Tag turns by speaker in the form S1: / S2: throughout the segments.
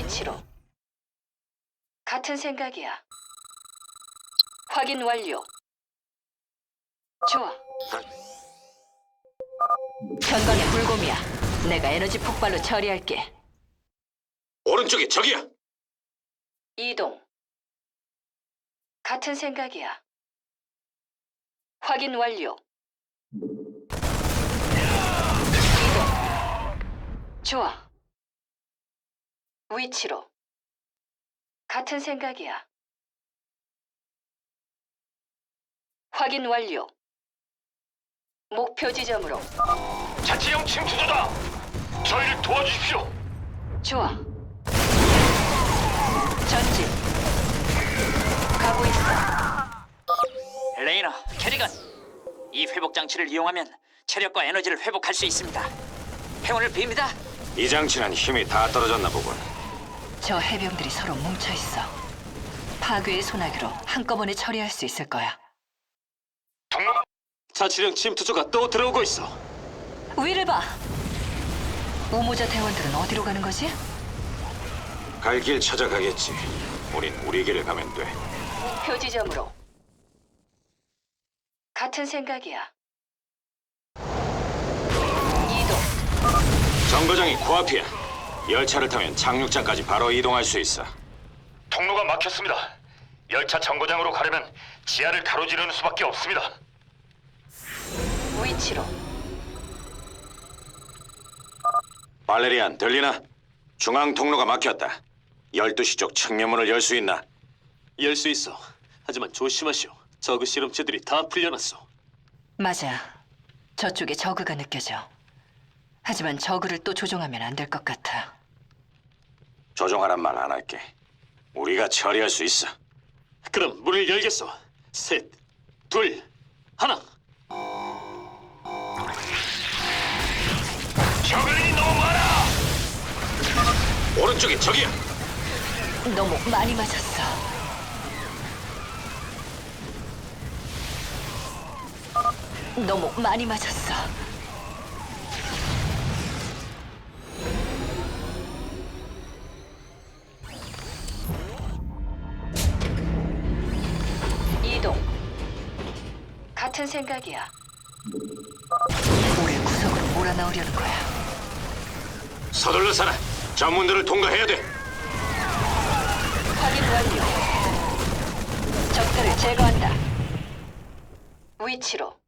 S1: 위치로. 같은 생각이야. 확인 완료. 좋아. 전방에 불곰이야. 내가 에너지 폭발로 처리할게.
S2: 오른쪽에 적이야.
S1: 이동. 같은 생각이야. 확인 완료. 이동. 좋아. 위치로. 같은 생각이야. 확인 완료. 목표 지점으로.
S2: 자치령 침투조다. 저희를 도와주십시오.
S1: 좋아. 전진. 가고 있어.
S3: 레이너, 캐리건, 이 회복 장치를 이용하면 체력과 에너지를 회복할 수 있습니다. 행운을 빕니다.
S2: 이 장치는 힘이 다 떨어졌나 보군.
S1: 저 해병들이 서로 뭉쳐 있어. 파괴의 소나기로 한꺼번에 처리할 수 있을 거야.
S2: 자치령 침투조가 또 들어오고 있어.
S1: 위를 봐. 우모자 대원들은 어디로 가는 거지?
S2: 갈 길 찾아가겠지. 우린 우리 길을 가면 돼.
S1: 목표 지점으로. 같은 생각이야. 이동.
S2: 정거장이 코앞이야. 열차를 타면 착륙장까지 바로 이동할 수 있어. 통로가 막혔습니다. 열차 정거장으로 가려면 지하를 가로지르는 수밖에 없습니다.
S1: 위치로.
S2: 발레리안, 들리나? 중앙 통로가 막혔다. 12시 쪽 측면문을 열 수 있나?
S4: 열 수 있어. 하지만 조심하시오. 저그 실험체들이 다 풀려났어.
S1: 맞아. 저쪽에 저그가 느껴져. 하지만 저그를 또 조종하면 안 될 것 같아.
S2: 조종하란 말 안 할게. 우리가 처리할 수 있어.
S4: 그럼 문을 열겠어. 셋, 둘, 하나.
S2: 저글링이 너무 많아! 오른쪽에 적이야!
S1: 너무 많이 맞았어. 너무 많이 맞았어. 이동. 같은 생각이야. 우릴 구석으로 몰아넣으려는 거야.
S2: 서둘러 살아! 전문들을 통과해야 돼!
S1: 확인 완료. 적들을 제거한다. 위치로.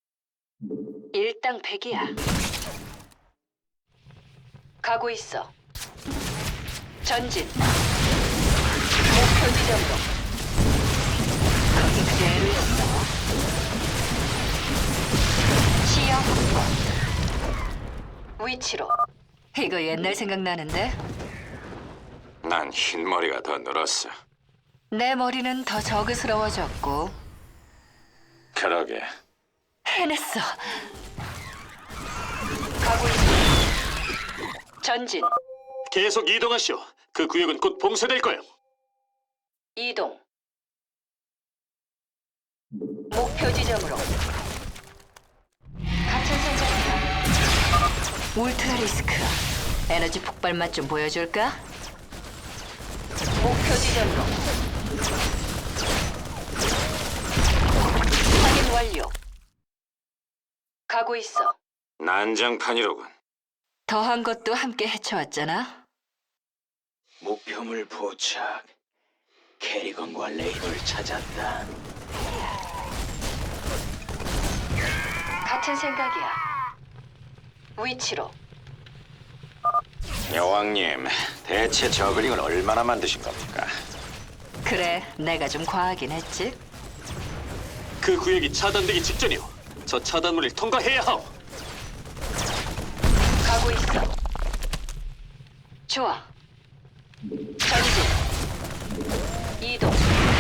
S1: 일당백이야. 가고 있어. 전진. 목표 지점으로. 거기 그대로 있어. 시야 확보. 위치로. 이거 옛날 생각나는데?
S2: 난 흰머리가 더 늘었어.
S1: 내 머리는 더 저그스러워졌고.
S2: 그러게.
S1: 해냈어. 가고 있어. 전진.
S4: 계속 이동하시오. 그 구역은 곧 봉쇄될 거예요.
S1: 이동. 목표 지점으로. 같은 생각이야. 울트라 리스크. 에너지 폭발 맛 좀 보여줄까? 목표 지점으로. 확인 완료. 가고 있어.
S2: 난장판이로군.
S1: 더한 것도 함께 헤쳐왔잖아.
S3: 목표물 포착. 캐리건과 레이너를 찾았다.
S1: 같은 생각이야. 위치로.
S2: 여왕님, 대체 저글링을 얼마나 만드신 겁니까?
S1: 그래, 내가 좀 과하긴 했지.
S4: 그 구역이 차단되기 직전이오. 저 차단문을 통과해야 하오.
S1: 가고 있어. 좋아. 전진. 이동.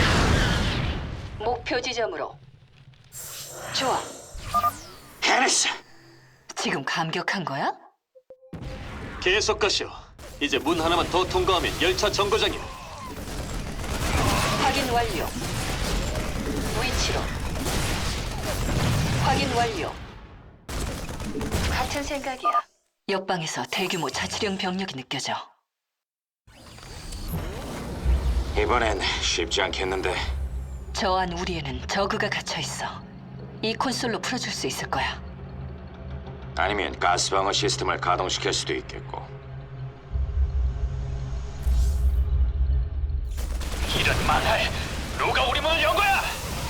S1: 목표 지점으로. 좋아.
S2: 해냈어!
S1: 지금 감격한 거야?
S4: 계속 가시오. 이제 문 하나만 더 통과하면 열차 정거장이오.
S1: 확인 완료. 위치로. 확인 완료. 같은 생각이야. 옆방에서 대규모 자치령 병력이 느껴져.
S2: 이번엔 쉽지 않겠는데.
S1: 저 안 우리에는 저그가 갇혀 있어. 이 콘솔로 풀어줄 수 있을 거야.
S2: 아니면 가스방어 시스템을 가동시킬 수도 있겠고.
S5: 이런 망할! 누가 우리 문을 연 거야?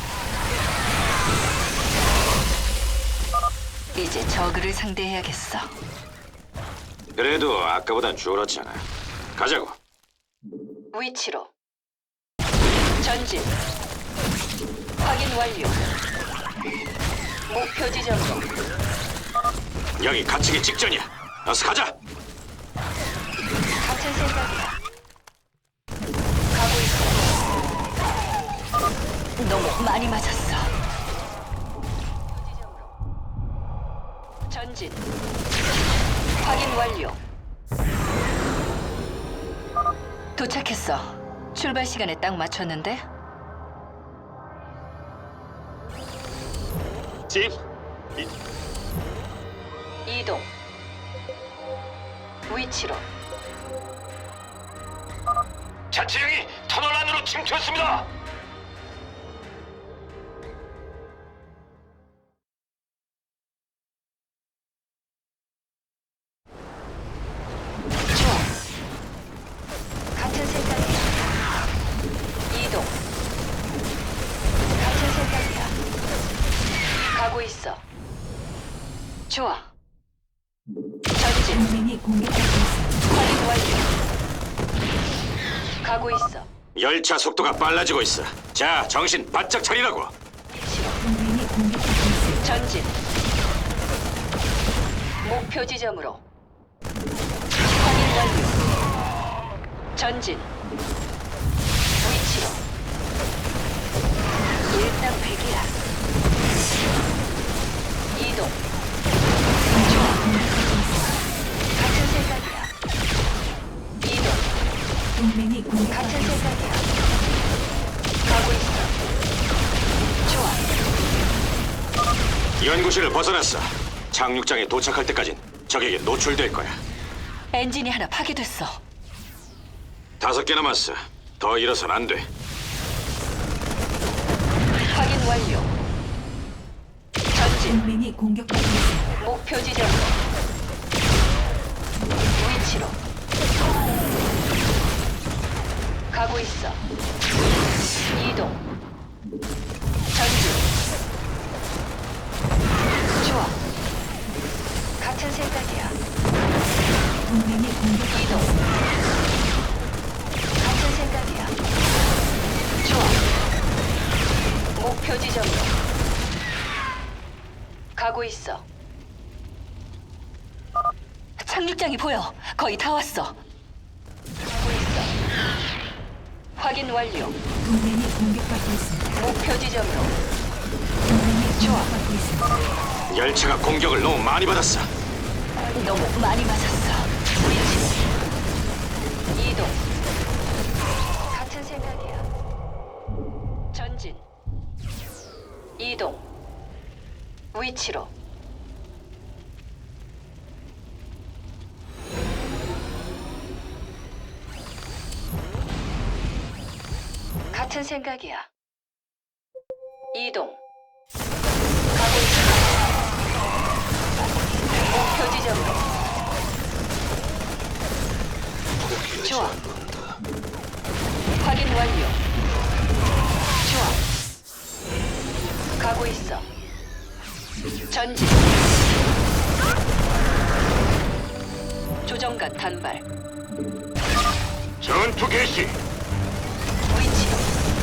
S1: 이제 저그를 상대해야겠어.
S2: 그래도 아까보단 줄었잖아. 가자고.
S1: 위치로. 전진. 확인 완료. 목표 지점으로.
S2: 여기 갇히기 직전이야. 어서 가자.
S1: 같은 생각이야. 가고 있어. 너무 많이 맞았어. 전진. 확인 완료. 도착했어. 출발 시간에 딱 맞췄는데?
S4: 짐,
S1: 이동. 위치로.
S5: 자치령이 터널 안으로 침투했습니다.
S1: 좋아. 같은 생각이야. 이동. 같은 생각이야. 가고 있어. 좋아. 전진.
S6: 동맹이 공격받고 있습니다.
S1: 확인 완료. 가고 있어.
S2: 열차 속도가 빨라지고 있어. 자, 정신 바짝 차리라고.
S1: 위치로.
S6: 동맹이 공격받고 있습니다.
S1: 전진. 목표 지점으로. 확인 완료. 전진. 위치로. 일당백이야. 이동. 좋아. 같은 생각이야. 이동.
S6: 동맹이 공격받고
S1: 같은
S6: 있습니다.
S1: 생각이야. 가고 있어. 좋아.
S2: 연구실을 벗어났어. 착륙장에 도착할 때까진 적에게 노출될 거야.
S1: 엔진이 하나 파괴됐어.
S2: 5개 남았어. 더 일어선 안 돼.
S1: 확인 완료. 전진.
S6: 동맹이 공격받고 있습니다.
S1: 목표 지점으로. 위치로. 가고 있어. 이동. 전진. 좋아. 같은 생각이야.
S6: 동맹이 공격받고
S1: 이동.
S6: 있습니다.
S1: 같은 생각이야. 좋아. 목표 지점으로. 가고 있어. 착륙장이 보여. 거의 다 왔어. 가고 있어. 확인 완료.
S6: 동맹이 공격받고 있습니다.
S1: 목표 지점으로.
S6: 동맹이
S1: 좋아.
S6: 공격받고 있습니다.
S2: 열차가 공격을 너무 많이 받았어.
S1: 너무 많이 맞았어. 위치. 이동. 같은 생각이야. 전진. 이동. 위치로. 같은 생각이야. 이동. 가고 있어. 목표 지점으로. 좋아. 확인 완료. 좋아. 가고 있어. 전진. 조정관 단발.
S5: 전투 개시.
S1: 위치로.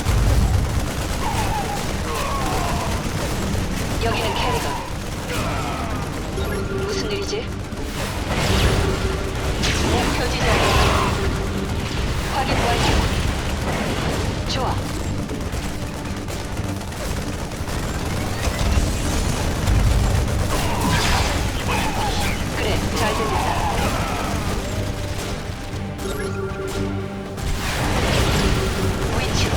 S1: 여기는 캐리건. 무슨 일이지? 목표 지점. 확인 완료. 좋아. 그래, 잘 들린다. 위치로.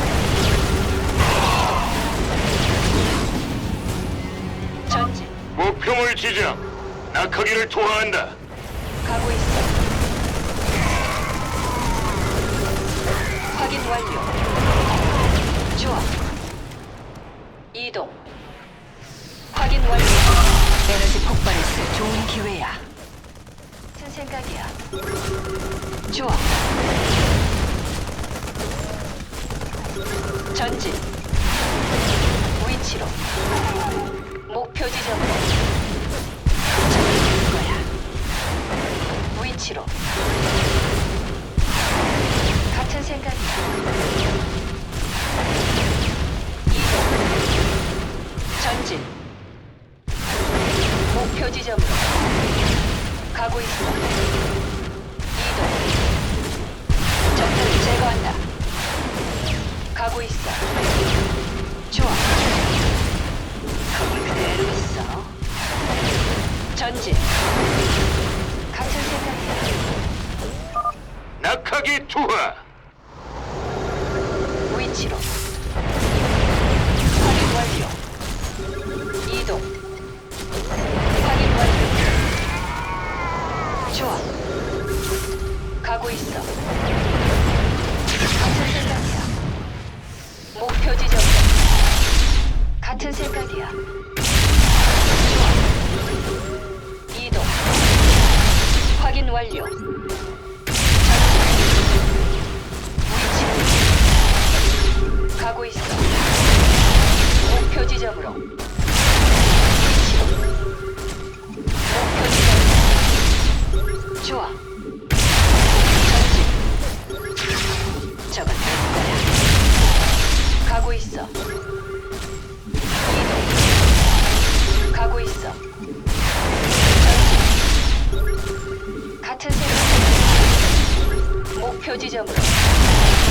S1: 전진.
S5: 목표물 지정. 낙하기를 투하한다.
S1: 가고 있어. 확인 완료. 이동. 확인 완료. 에너지 폭발을 쓸 좋은 기회야. 무슨 생각이야? 좋아. 전진. 위치로. 목표 지점으로. 저기 거야. 위치로. 같은 생각이야. 이동. 전진. 목표 지점으로. 가고 있어. 이동. 적들을 제거한다. 가고 있어. 좋아. 거기 그대로 있어. 전진. 같은 생각이야.
S2: 낙하기 투하.
S1: 위치로. 확인 완료. 이동. 확인 완료. 좋아. 가고 있어. 같은 생각이야. 목표 지점. 같은 생각이야. 좋아. 이동. 확인 완료. 위치. 가고 있어. 목표 지점으로. 위치로. 목표 지점. 좋아. 전진. 저건 내 거야. 가고 있어. 이동. 가고 있어. 전진. 같은 생각. 목표 지점으로.